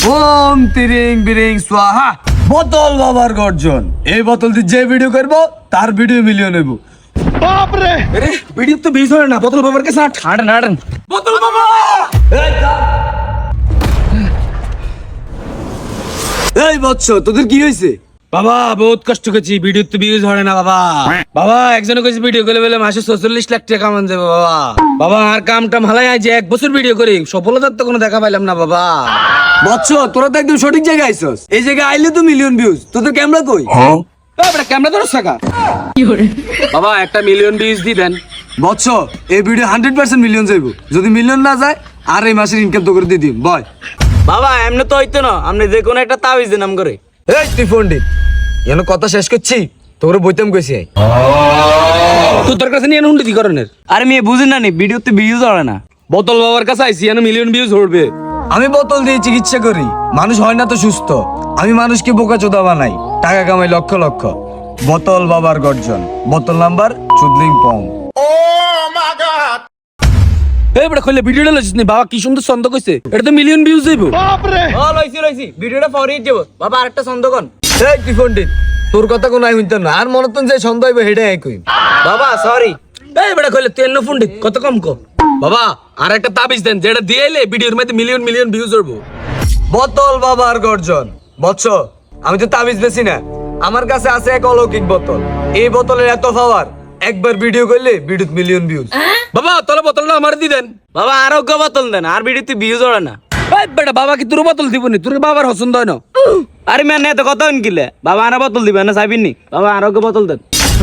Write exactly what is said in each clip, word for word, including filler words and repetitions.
ওম তিরিং বিরিং সোহা। বোতল বাবার গর্জন। এই বোতল দিয়ে যে ভিডিও করবো তার ভিডিও মিলিয়ন নেবো। বাপ রে, আরে ভিডিও তো বিশ হয় না, বোতল বাবার কাছে আট হাঁটেন হাঁটেন। বোতল বাবা এই বৎস, তোদের কি হয়েছে? বাবা বহুত কষ্ট করছি, ভিডিও তো ভিউজ হয় না বাবা। বাবা একজনে কইছে ভিডিও করে বলে মাসে চল্লিশ লাখ টাকা কামান যাবে বাবা। বাবা আর কাম টাম হালাই যে এক বছর ভিডিও করি, সফলতার তো কোনো দেখা পাইলাম না বাবা। বৎস, তোরা তো একদম সঠিক জায়গায় আইছস। এই জায়গায় আইলে তো মিলিয়ন ভিউজ। তোদের ক্যামেরা কই? ক্যামেরা ধরো টাকা বাবা, একটা মিলিয়ন ভিউজ দিবেন। বৎস, এই ভিডিও হান্ড্রেড পার্সেন্ট মিলিয়ন যাইবো। যদি মিলিয়ন না যায় আর এই মাসের ইনকাম তো করে দিয়ে দিম। বয় বাবা এমনি তো হইতো না, আপনি যে কোনো একটা তাবিজ নাম করে। এই তুই পণ্ডিত, এখানে কথা শেষ করছি, তোর বইতাম কইছি। তুই তোর কাছে নিয়ে হুন্ডি করণের আরে মেয়ে বুঝি না নি, ভিডিওতে ভিউজ হয় না। বোতল বাবার কাছে আইসি এনে মিলিয়ন ভিউজ হড়বে। আমি বোতল দিয়ে চিকিৎসা করি, মানুষ হয় না তো সুস্থ। আমি মানুষকে বোকা চোদা বানাই, টাকা কামাই লক্ষ লক্ষ। বোতল বাবার গর্জন। বোতল নাম্বার চুদলিং পং। এই বড় কইলে ভিডিওটা লইছিস নি বাবা, কি সুন্দর ছন্দ কইছে, এটা তো মিলিয়ন ভিউজ যাইবো। বাপ রে, ও লইছি লইছি, ভিডিওটা ফরওয়ার্ড যাব বাবা। আরেকটা ছন্দ কোন? এই তুই পণ্ডিত, তোর কথা কোনো আই হইতাম না। আর মনতন যে সন্দেহ হইব হেডে আই কই। বাবা সরি। এই বড় কইলে তুই এন্ন পণ্ডিত কত কম কো বাবা। আর একটা তাবিজ দেন যেটা দিয়েলে ভিডিওর মধ্যে মিলিয়ন মিলিয়ন ভিউজ হড়বো। বোতল বাবার গর্জন। বৎস, আমি তো তাবিজ বেশি না, আমার কাছে আছে এক অলৌকিক বোতল। এই বোতলের এত পাওয়ার, একবার ভিডিও করলে ভিডিওতে মিলিয়ন ভিউজ। বাবা তাহলে বোতলটা আমার দি দেন বাবা। আরোগ্য বোতল দেন, আর ভিডিওতে ভিউজ হড়ে না। এই বেটা বাবা কি তোর বোতল দিবনি? তোর বাবার পছন্দ হয় না। আরে ম্যান এত কথা কিলে বাবা, আর বোতল দিবেন না চাইবিনি বাবা, আরোগ্য বোতল দেন।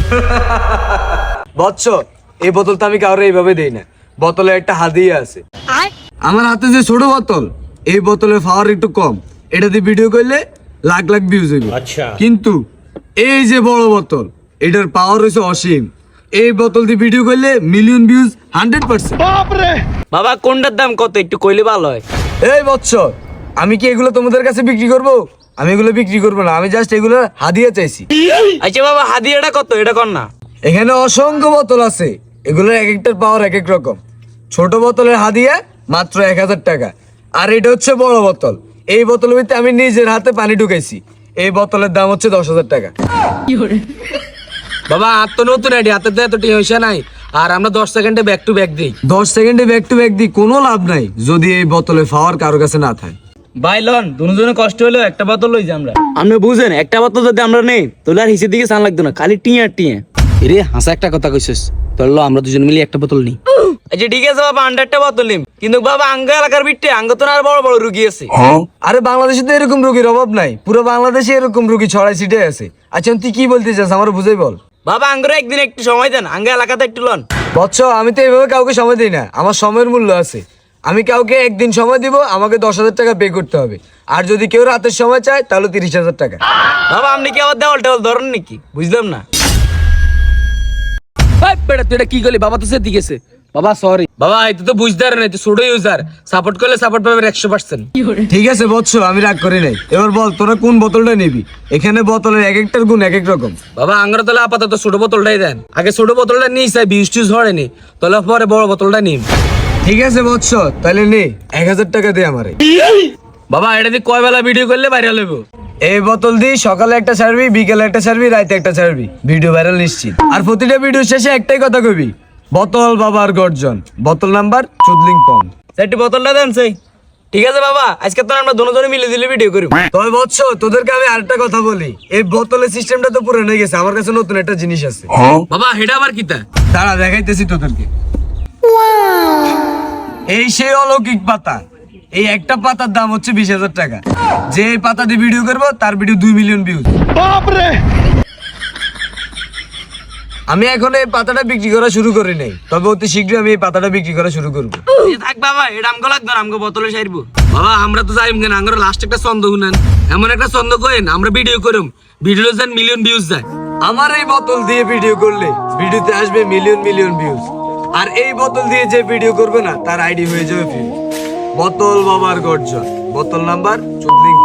বৎস, এই বোতল তো আমি কাউরে এইভাবে দেই না। বোতলে একটা হাদিয়া আছে। আমার হাতে যে ছোট বোতল, এই বোতলের পাওয়ার একটু কম। এটা দিয়ে ভিডিও করলে লাখ লাখ ভিউজ হইবে। কিন্তু এই যে বড় বোতল, এটার পাওয়ার হইছে অসীম। এই বোতল দিয়ে ভিডিও করলে মিলিয়ন ভিউজ হান্ড্রেড পার্সেন্ট। বাপ রে, বাবা কোনটার দাম কত একটু কইলে ভালো হয়। এই বৎস, আমি কি এগুলো তোমাদের কাছে বিক্রি করব? আমি এগুলো বিক্রি করবো না, আমি জাস্ট এগুলো হাদিয়া চাইছি। আচ্ছা বাবা হাদিয়াটা কত এটা কর না। এখানে অসংখ্য বোতল আছে, এগুলোর এক একটার পাওয়ার এক এক রকম। ছোট বোতলের হাদিয়া মাত্র এক হাজার টাকা, আর এটা হচ্ছে বড় বোতল। এই বোতলের ভিতরে আমি নিজের হাতে পানি ঢুকাইছি। এই বোতলের দাম হচ্ছে দশ হাজার টাকা। বাবা আর তো নতুন আইডি, হাতে তো এত টিয়া নাই। আর আমরা দশ সেকেন্ডে ব্যাক টু ব্যাক দিই। দশ সেকেন্ডে ব্যাক টু ব্যাক দিই, কোনো লাভ নাই যদি এই বোতলে পাওয়ার কারো কাছে না থাকে। ভাই লন দুজনে কষ্ট হলো, একটা বোতল লই যে আমরা। আপনি বুঝেন একটা বোতল যদি আমরা নেই তাহলে আর হিসের দিকে চান লাগতো না, খালি টিয়া টিয়া। রে হাসা একটা কথা কইছিস, তাহলে আমরা দুজন মিলে একটা বোতল নিই। আচ্ছা ঠিক আছে বাবা, আন্ডারটা বোতল নিম। কিন্তু বাবা আঙ্গ এলাকার বিটে আঙ্গ তো আর বড় বড় রুগী আছে। আরে বাংলাদেশে তো এরকম রোগীর অভাব নাই, পুরো বাংলাদেশে এরকম রোগী ছড়াই ছিটে আছে। আচ্ছা তুই কি বলতে চাস আমার বুঝাই বল। বাবা আঙ্গরে একদিন একটু সময় দেন, আঙ্গ এলাকাতে একটু লন। বৎস, আমি তো এইভাবে কাউকে সময় দিই না, আমার সময়ের মূল্য আছে। আমি কাউকে একদিন সময় দিব, আমাকে দশ হাজার টাকা পে করতে হবে। আর যদি কেউ রাতের সময় চায় তাহলে তিরিশ হাজার টাকা। বাবা আপনি কি আবার দেওয়াল টেওয়াল ধরেন নাকি? বুঝলাম না। বেটা তুই এটা কি করলি? বাবা তো সে দিকেছে বাবা, সরি বাবা। এই তো বুঝতে পারে না, তুই ছোট ইউজার, সাপোর্ট করলে সাপোর্ট পাবে একশো পার্সেন্ট। ঠিক আছে বৎস, আমি রাগ করি নাই। এবার বল তোরা কোন বোতলটা নিবি? এখানে বোতলের এক একটার গুণ এক এক রকম। বাবা আঙ্গরা তাহলে আপাতত ছোট বোতলটাই দেন। আগে ছোট বোতলটা নিই চাই ভিউজ টিউজ হয়নি, তাহলে পরে বড় বোতলটা নিম। ঠিক আছে বৎস, তাহলে নে এক হাজার টাকা দে আমারে। বাবা এটা দিয়ে কয় বেলা ভিডিও করলে ভাইরাল হইব? এই বোতল দিয়ে সকালে একটা ছাড়বি, বিকেলে একটা ছাড়বি, রাতে একটা ছাড়বি, ভিডিও ভাইরাল নিশ্চিত। আর প্রতিটা ভিডিও শেষে একটাই কথা কবি, বোতল বাবার গর্জন। বোতল নাম্বার চুদলিং পং। সেটি বোতলটা দেন সেই। ঠিক আছে বাবা, আজকে তো আমরা দুজনে মিলে দিলে ভিডিও করি। তবে বৎস, তোদেরকে আমি আরেকটা কথা বলি, এই বোতলের সিস্টেমটা তো পুরো হয়ে গেছে, আমার কাছে নতুন একটা জিনিস আছে। বাবা হেডা আবার কিতা? দাঁড়া দেখাইতেছি তোদেরকে। এই সেই অলৌকিক পাতা, এই একটা পাতার দাম হচ্ছে বিশ হাজার টাকা। যে এই পাতা দিয়ে ভিডিও করবো তার ভিডিও দুই মিলিয়ন ভিউজ। বাপ রে, আমি এখন এই পাতাটা বিক্রি করা শুরু করি নাই, তবে অতি শীঘ্রই আমি এই পাতাটা বিক্রি করা শুরু করবো। থাক বাবা, এটা আমগো লাগবে না, আমগো বোতলে সাইরবো। বাবা আমরা তো যাইম কেন, আঙ্গর লাস্ট একটা ছন্দ শুনেন, এমন একটা ছন্দ কইন আমরা ভিডিও করুম, ভিডিও যান মিলিয়ন ভিউজ যায়। আমার এই বোতল দিয়ে ভিডিও করলে ভিডিওতে আসবে মিলিয়ন মিলিয়ন ভিউজ। আর এই বোতল দিয়ে যে ভিডিও করবে না তার আইডি হয়ে যাবে ভিউজ। বোতল বাবার গর্জন। বোতল নাম্বার চুদলিং